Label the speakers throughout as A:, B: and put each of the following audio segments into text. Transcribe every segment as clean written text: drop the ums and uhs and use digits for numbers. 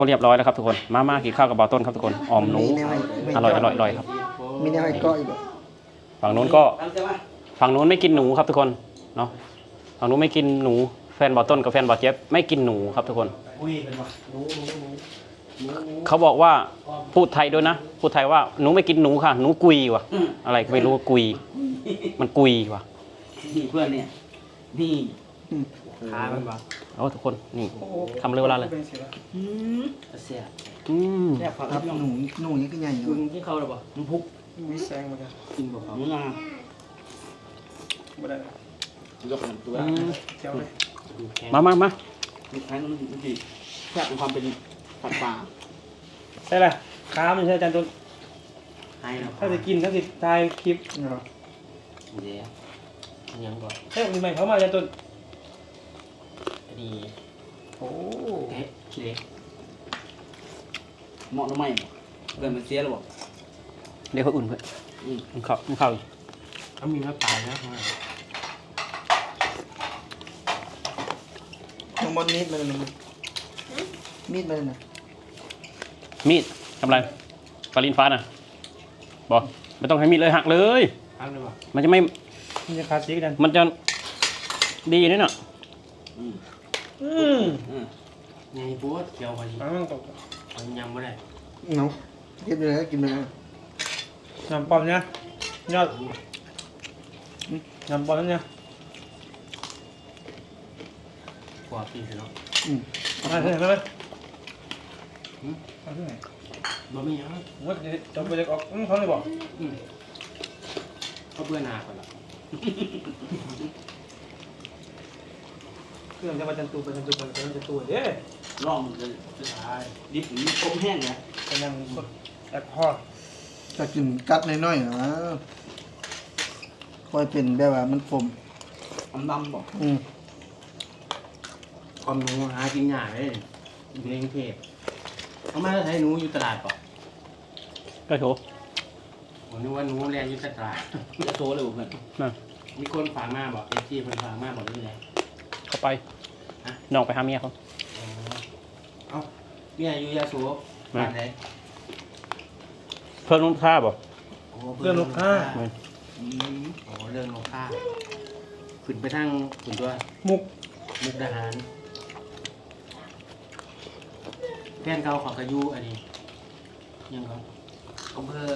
A: เรียบร้อยแล้วครับทุกคนมากินข้าวกับบ่าวต้นครับทุกคนออมหนูอร่อยครับ
B: มีแนวให้เกาะอีกบ่
A: ฝั่งนู้นก็ฝั่งนู้นไม่กินหนูครับทุกคนเนาะฝั่งนู้นไม่กินหนูแฟนบ่าวต้นกับแฟนบ่าวเจี๊ยบไม่กินหนูครับทุกคนเขาบอกว่าพูดไทยด้วยนะพูดไทยว่าหนูไม่กินหนูค่ะหนูกุยว่ะอะไรก็ไม่รู้กุยมันกุยว่ะ
C: นี่เพื่อนเนี่ยนี่ขามันบ่
A: เอาทุกคนนี่ทำเร็วเวลาเลย
C: เสีย
B: แซ่บครับหนูนี่ก็ใหญ่อยู่
C: ที่เขาหรือเปล่าน้ำพุก
B: มีแซงมาจ้ะ
C: กินบ่เขาน้ำ
B: บ่ได้
C: ยกตัว
B: เจ้าเลย
A: มา
C: ลูกค้ามันดีแค่ความเป็นผัดป่า
B: ใช่ละขามันใช่อาจารย์ต้นถ้าจะกินถ้าจะถ่ายคลิปเนาะ
C: เดี๋ยวยังก่อน
B: ใช่มีใหม่เขามาอาจารย์ต้น
C: ดี
B: โอ้
C: เฮ้ยเล็กเหมาะหรือไม่เกินมันเสียหรือเปล่า
A: เดี๋ยวเขาอุ่นเพื่อนมันเข้า
C: เขามีน้ำตาลนะ
B: น้องบอลมีดมาเลยนะมีดมาเลยนะ
A: มีดทำไรปลาลินฟ้าน่ะบอกไม่ต้องให้มีดเลยหักเลยมันจะไม่
B: มันจะขาดสีกัน
A: มันจะดีนี่เนาะ
C: ไงปวดเขียวพอดีมันยำไม่ได้
B: เนาะกินไปเลยกินไปเลยน้ำปอมเนี่ยยอดน้ำปอมเนี่ย
C: กว่าปีเนาะ
B: มาเถอะมาเลยมาที่ไหน
C: บ่มีอ่ะ
B: ว่าจะไปจะออกเขาเลยบอก
C: เขาเบื่อหนาก่อนละ
B: เครื่องจะมาจันตูเด้
C: ล่องจะตายดิบนี่ต้มแห้งเนี่ย
B: เป็นยังสดแอปพอจะกินกัดน้อยๆนะค่อยเป็นแบบว่ามันขม
C: ดำบอก
B: ความ
C: หนูหากินยากเลยอยู่ในกรุงเทพเขาไม่ได้ใช้หนูอยู่ตลาดป่ะ
A: ก็โถ
C: ผมนึกว่าหนูแรงอยู่ตลาดจะโตเลยเพื่อนมีคนฝากมาบอกเอจีคนฝากมาบอกนี่แหละ
A: เข้าไปน้องไปหาเมียเขา
C: เอ้าเมียอยู่ยาสูบบ้านไหน
A: เพื่อนลูกค้าบอก
B: เรื่องลูกค้า
C: โอ้เรื่องลูกค้าขึ้นไปทางขึ้นตัว
B: มุก
C: ทหารแฟนเก่าของกระยูอันนี้ยังเขาอำเภอ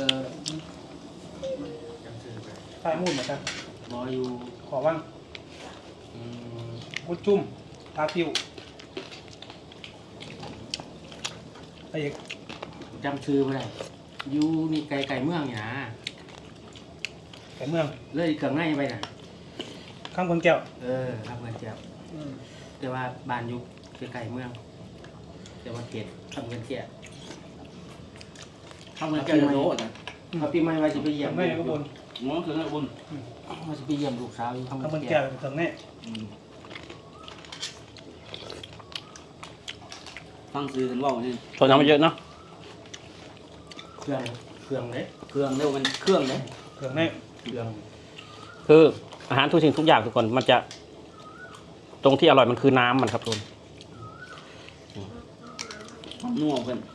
C: จำชื่อไป
B: ใต้มูดเหมือนกัน
C: บออยู่
B: ขอว่างกุดจุ่มทาติวไอ้
C: จำชื่อไม่ได้อยู่นี่ไก่เมืองนี่นะ
B: ไก่เมือง
C: เลยเกือบง่ายไปนะ
B: ข้างคนแก้ว
C: ข้างคนแก้วแต่ว่าบ้านอยู่ไก่เมืองแต่ว่าเขตข้างคนแก้วข้างคนแก้วจะโน้ตนะเขาปีใหม่มาจะไปเยี่ยม
B: ไม่ก็บน
C: น้องคือไงบนมาจะไปเยี่ยมลูกสาวอยู่
B: ข้างคนแก้วถึงแน่
C: ฟังซื้อกันว่าเนี่ย
A: ตอนนั้นมันเยอะเนาะ
C: เครื่องเลยเครื่องเร็วมันเครื่องเลย
B: เครื่องแน่
C: เครื่อง
A: คืออาหารทุกสิ่งทุกอย่างทุกคนมันจะตรงที่อร่อยมันคือน้ำมันครับทุกคน
C: นัวเพื่อน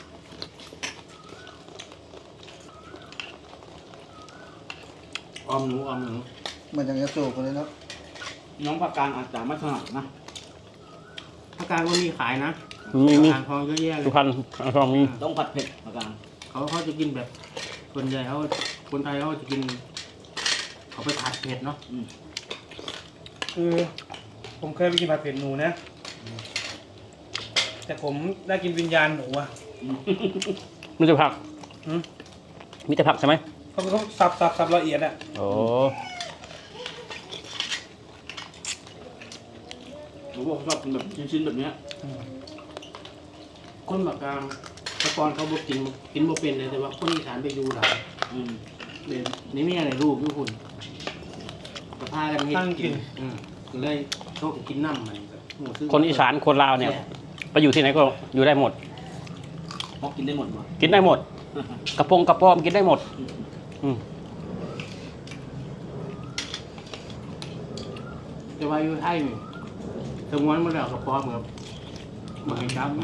C: ออมหนู
B: มันยังจะโจกเลยเนาะ
C: น้องผักกาดอาจจะไม่ถนัดนะผักกาดก็มีขายนะ
A: มี
C: ผักกาดทองเยอะแยะเลย
A: สุพรรณทองมี
C: ต้องผัดเผ็ดผักกาดเขาจะกินแบบคนใหญ่คนไทยเขาจะกินเขาไปผัดเผ็ดเนาะ
B: คือผมเคยไปกินผัดเผ็ดหนูนะแต่ผมได้กินวิญญาณหนูอ่ะ
A: มีแต่ผักมีแต่ผักใช่ไหม
B: เขาสับละเอียดอ่ะ
A: โอ้
C: ผมบอกชอบกินแบบชิ้นๆแบบนี้คนแบบกลางตะกอนเขาบอกกินโมเป็นเลยแต่ว่าคนอีสานไปดูหลายเดี๋ยวนี่ไม่อะไรลูกด้วยคุณก็พากัน
B: กิน
C: เลยโชคกินน้ำมัน
A: คนอีสานคนลาวเนี่ยไปอยู่ที่ไหนก็อยู่ได้หมด
C: กินได้หมด
A: กินได้หมดกระป๋อมกินได้หมด
C: แต่ว่าอยู่ไทยนี่ถึงวันเมื่อไหร่กระป๋อมครับมันไม่จับ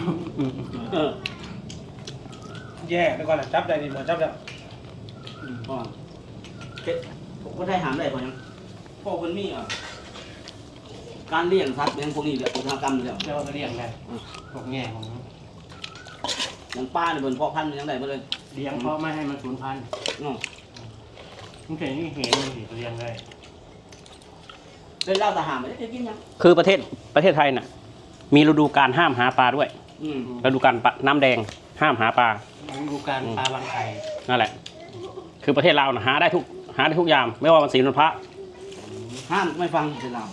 D: แย่ไปก่อนนะจับได้ดิหมอจับแล้ว
C: พ่อผมก็ได้หามได้พอยังพ่อคนมีการเลี้ยงสัตว์เป็นพวกนี้เนี่ยอุตสาหกรรมเนี่ย
D: เดี๋ยวจะเรียงไงพวกแง่ของ
C: อย่างป้าเนี่ยเป็นพ่อพันธุ์ยังไงมาเลย
D: เลี้ยงเพราะไม่ให้มันสูญพันธุ์
C: อ๋อ
D: มันเห็นนี่เห็นมันสิเลี้ยงได้
C: เล่นเหล้าทหารไม่ได้กินยัง
A: คือประเทศไทยน่ะมีฤดูการห้ามหาปลาด้วยฤดูการน้ำแดงห้ามหาปลา
D: ดูการปลาบางไข่
A: นั่นแหละ คือประเทศเราน่ะหาได้ทุกยาม ไม่ว่าวันศีลวันพระ
C: ห้ามไม่ฟังเป็นเรา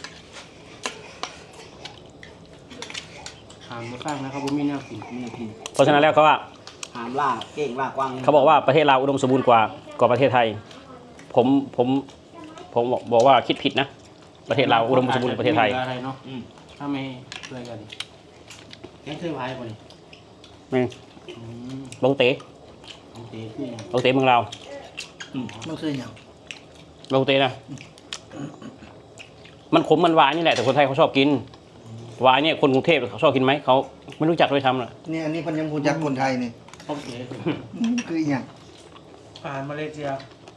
D: หามมาสร้างนะครับผมมีแนวกิน
C: ไม่กิน
A: เพราะฉะนั้นแล้วก็ว่า
C: หามล่าเก่งล่ากวาง
A: เขาบอกว่าประเทศเราอุดมสมบูรณ์กว่าประเทศไทย ผมบอกว่าคิดผิดนะ ประเทศเราอุดมสมบูรณ์กว่าประเทศไทย
D: อะไรเนาะถ้าไม่ช่วยกันแกงเสื้อไว้ป่ะนี่
A: นี่บงเต๋
D: ของเต๋คืออย่าง
A: บงเต๋เมืองเรา
B: มันคืออย่าง
A: บงเต๋นะมันขมมันหวานนี่แหละแต่คนไทยเขาชอบกินหวานเนี่ยคนกรุงเทพเขาชอบกินไหมเขาไม่รู้จักด้วยซ้ำน่ะ
B: นี่อันนี้พันยังพูดจากคนไทยนี่
D: ของเต๋
B: คืออย่าง
D: อาหารมาเลเซีย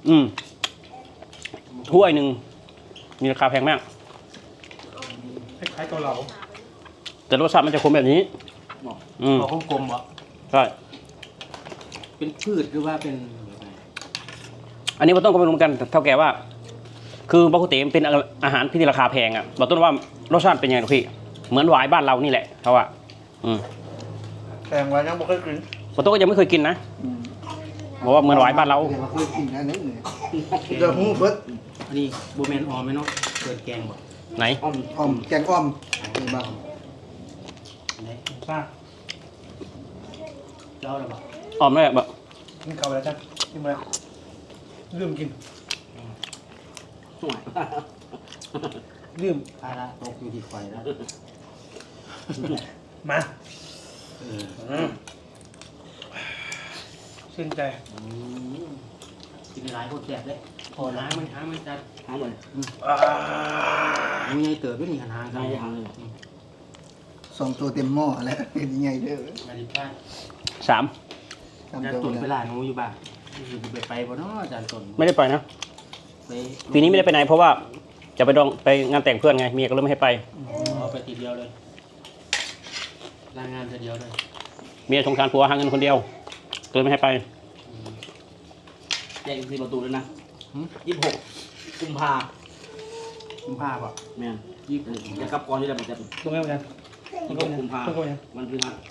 A: ถ้วยหนึ่งมีราคาแพงมาก
D: คล้ายๆเกาเหลา
A: แต่รสชาติมันจะขมแบบนี้
D: ขอคมๆบ่
A: ใช่
D: เป็นพืชหรือว่าเป็น
A: อันนี้เราต้องก็ไม่รู้เหมือนกันเท่าแก่ว่า คือบะกุเต๋มันเป็นอาหารที่ราคาแพงอ่ะบอกต้นว่ารสชาติเป็นยังไงพี่เหมือนหวายบ้านเรานี่แหละเขาว่า
B: แพงไว้ยังบ่เคยกิน
A: บอกต้นก็ยังไม่เคยกินนะบอกว่าเหมือนหวายบ้านเรา
B: เดี๋ยวเคยกินอันนี้เนี่ยเดี๋ยวหูเบิด
D: อันนี้บูแมนออมไหมเนาะเกิดแกงบ่
A: ไหน
B: อ้อมแกงอ้อมนี่บ้าง
D: ไหนป้าเจ้าอะไรบ่
A: อ้อมเลยแบบ
D: กินข้าวแล้วจ้ะกินมาแล้วลืมกิน
C: สวย
D: ลืมภาระตกอยู่ที่ไฟแล้วมาชื่นใจกินหลายคนแสบเลยพอล้างมันจัด
C: หามเลย
D: มันยังเติบด้วยนี่ขนาด
C: ใช่หามเลย
B: 2 ตัวเต็มหม้อแล้วเป็นยังไงเด้อ
D: มาดิบ้าน
A: 3
B: ทำ
D: จาน
B: ตัว
D: ตุ่นไป
B: แล้ว
D: ลาหนูอยู่บ้านไปบ่เนาะจานตุ่น
A: ไม่ได้ไปนะ
D: ไป
A: ปีนี้ไม่ได้ไปไหนเพราะว่าจะไปงานแต่งเพื่อนไงเมียก็เลยไม่ให้ไป
D: ไปทีเดียวเลยรายงานทีเดียวเลย
A: เมียสงสารผัวหาเงินคนเดียวก็เลยไม่ให้ไป
C: แจ้งที่ประตูเลยนะ26 กุมภา
D: คุณภาพอ่ะ
C: แม่นจะกลับก่อนที่จะไปจับ
D: ตรงไหนมัน
C: 26 กุมภาวันพฤหัส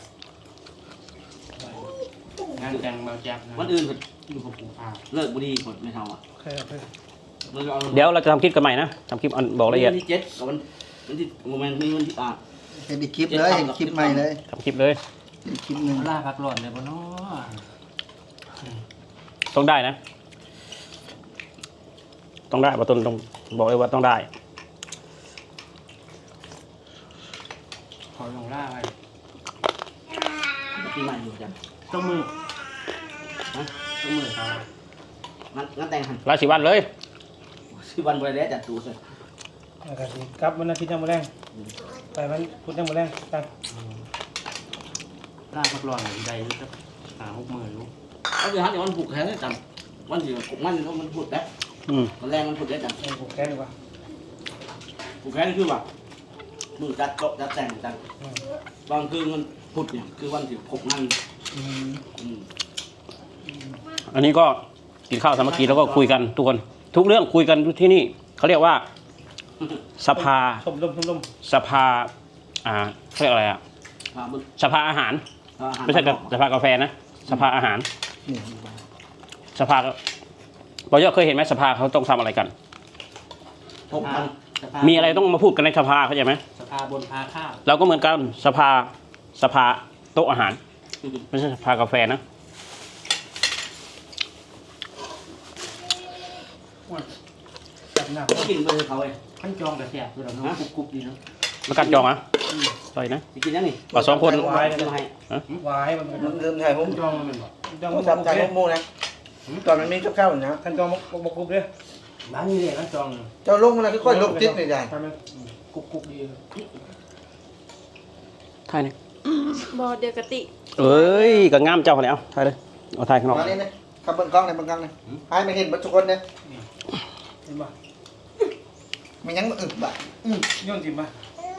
D: งานแต่งเบาจับ
C: วันอื่น
D: อยู่กับคุณภาพ
C: เลิกบุรีหมดไม่เท่าอ่ะ
D: โอเค
A: เดี๋ยวเราจะทำคลิปกันใหม่นะทำคลิปบอกละเอียด
C: วันที่7กับวันที่โมเมนต์นี้วันที่
B: เห็นอีกคลิปเลยเห็นคลิปใหม่เลย
A: ทำคลิปเลย
B: เห็นคลิปหนึง
D: ล่าพักหล่อนเลยบ่เนาะ
A: ต้องได้นะ ต้องได้บอกต้นต้องบอกเลยว่าต้องได้
D: ขอลงล่าไป
C: ปีใหม่อยู่จัง
D: ต้องมือต้องมือครับ
C: งั้นแต่งหัน
A: ราศีวันเลย
C: ชื่อวันบริเวณจัดตูเลย
D: ครับวันอาทิตย์ยังมาแรงไปวันพุธยังมาแรงกันล่าพักหล่อนใดอยู่สัก5-6 มื้ออยู่
C: เอาเดี๋ยวหันเดี๋ยววันผูกแขนได้จังวันที่มันผูกแล้ววันแรงมันผูกได้จัง
D: ผูกแค่ดีกว่า
C: ผูกแขนนี่คือว่ามือจัดโต๊ะจัดแต่งจังตอนคือมันพุธเนี่ยคือวันที่6 งาน
A: อันนี้ก็กินข้าวสามัคคีแล้วก็คุยกันทุกคนทุกเรื่องคุยกันที่นี่เขาเรียกว่าสภา
D: ชมลม
A: สภาเขาเรียกอะไรอ่ะสภาอาหาร ไม่ใช่สภากาแฟนะสภาอาหาร
B: นี่
A: สภาบอยเคยเห็นไหมสภาเขาต้องทำอะไรกัน มีอะไรต้องมาพูดกันในสภาเข้าใจไหม
D: สภาบนพาข้าว
A: เราก็เหมือนกันสภาโต๊ะอาหารไม่ใช่สภากาแฟนะ
D: จับหนัก
C: กินไปเลยเขาเอง
D: ขั้นจองกระแสบตัวเราเนาะกรุบดีเนาะ
A: มากัดจองอ่ะใส่นะ
C: จะกินยังนี่
A: เอา2 คน
C: วายเลยให้
D: วายมัน
B: มันเริ่มถ่ายผม
D: ขั้นจองมันเป็นแบบ
B: ต้องทำถ่ายผมโมนะตอนมันมีกับข้าวนะ
D: ขั้นจองบกรุบเลยร้านนี้เลยขั้นจอง
B: เจ้าลงมาแล้วค่อยๆลบติดเลยได้
D: ทำไมกรุบดี
A: ถ่ายนี่
E: บอเดียวกะติ
A: เอ้ยก็งามเจ้าคนนี้เอาถ่ายเลยเอาถ่ายข้างนอก
B: มานี่นะขับเบิ่งกล้องในเบิ่งกล้องนี่ให้มันเห็นเบัดทุกคนเนี่ย
C: เห็นป่ะ
B: มันยังอึบ่ะ
C: ย้อนจิ้มป่ะ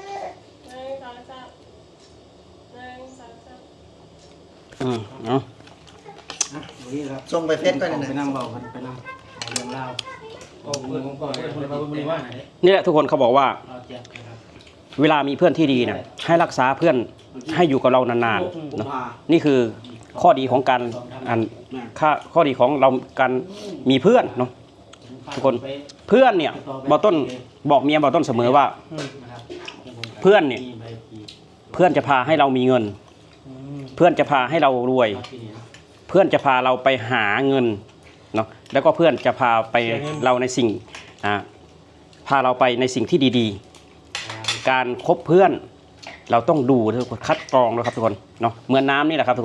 A: เอา
C: นี่ครับ
B: ส่งไปเฟซก่อน
C: ไป
B: นะ
C: นั่งเบากันไปนั่งเอาเรื่องเล่าเอาเพื่อนของก่อนเพื่อนมาบุรีว่าไหน
A: นี่แหละทุกคนเขาบอกว่า
C: เราแจกนะครับ
A: เวลามีเพื่อนที่ดีเนี่ยให้รักษาเพื่อนให้อยู่กับเรานานๆเนอะนี่คือข้อดีของการข้อดีของเราการมีเพื่อนเนาะทุกคนเพื่อนเนี่ยบอต้นบอกเมียบอต้นเสมอว่า เพื่อนเนี่ย เพื่อนจะพาให้เรามีเงิน เพื่อนจะพาให้เรารวย เพื่อนจะพาเราไปหาเงินเนาะแล้วก็เพื่อนจะพาไปเราในสิ่งพาเราไปในสิ่งที่ดีๆ การคบเพื่อนเราต้องดูทุกคนคัดกรองนะครับทุกคนเนาะเหมือนน้ำนี่แหละครับทุกคน